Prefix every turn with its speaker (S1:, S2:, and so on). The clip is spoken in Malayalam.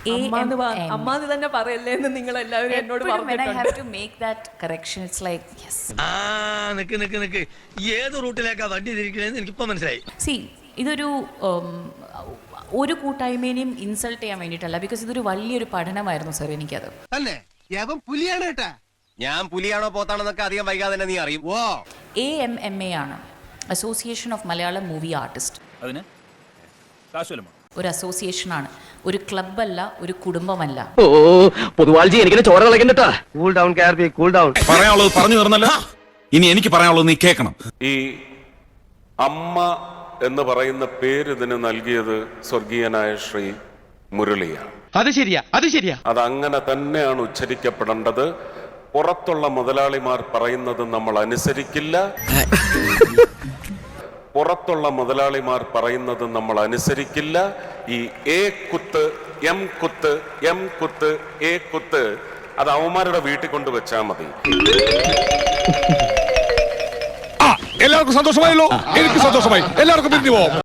S1: അമ്മാന്ന് തന്നെ പറയല്ലേ എന്ന് നിങ്ങൾ എല്ലാവരും എന്നോട്
S2: നിക്ക് ഏത് റൂട്ടിലേക്കാ വണ്ടി തിരിക്കണേന്ന് എനിക്കിപ്പോ മനസ്സിലായി.
S3: സി ഇതൊരു ഒരു കൂട്ടായ്മേനെയും ഇൻസൾട്ട് ചെയ്യാൻ വേണ്ടിയിട്ടല്ല, ബിക്കോസ് ഇതൊരു വലിയൊരു പഠനമായിരുന്നു സർ എനിക്കത്.
S4: പുലിയാണ് കേട്ടാ. ഞാൻ പുലിയാണോ പോത്താണെന്നൊക്കെ അധികം വൈകാതെ തന്നെ നീ അറിയും.
S3: AMMA ആണ്, association of Malayalam movie artist.
S5: അതിന്
S3: ഒരു അസോസിയേഷനാണ്, ഒരു ക്ലബ്ബല്ല, ഒരു കുടുംബമല്ല.
S4: പൊതുവാൾജി എനിക്കിനെ ചോര കളക്കണ്ടട്ടാ. കൂൾ ഡൗൺ കാർബി, കൂൾ ഡൗൺ.
S5: പറയാനുള്ളത് പറഞ്ഞു തീർന്നല്ല, ഇനി എനിക്ക് പറയാനുള്ളത് നീ കേൾക്കണം.
S6: ഈ അമ്മ എന്ന് പറയുന്ന പേര് ഇതിന് നൽകിയത് സ്വർഗീയനായ ശ്രീ മുരളിയാണ്.
S4: അത് ശരിയാ.
S6: അത് അങ്ങനെ തന്നെയാണ് ഉച്ചരിക്കപ്പെടേണ്ടത്. പുറത്തുള്ള മുതലാളിമാർ പറയുന്നത് നമ്മൾ അനുസരിക്കില്ല. ഈ എ കുത്ത് എം കുത്ത് എം കുത്ത് എ കുത്ത് അത് അവന്മാരുടെ വീട്ടിൽ കൊണ്ട് വെച്ചാൽ മതി.
S5: എല്ലാവർക്കും സന്തോഷമായല്ലോ? എനിക്ക് സന്തോഷമായി. എല്ലാവർക്കും പിരിഞ്ഞു പോവാം.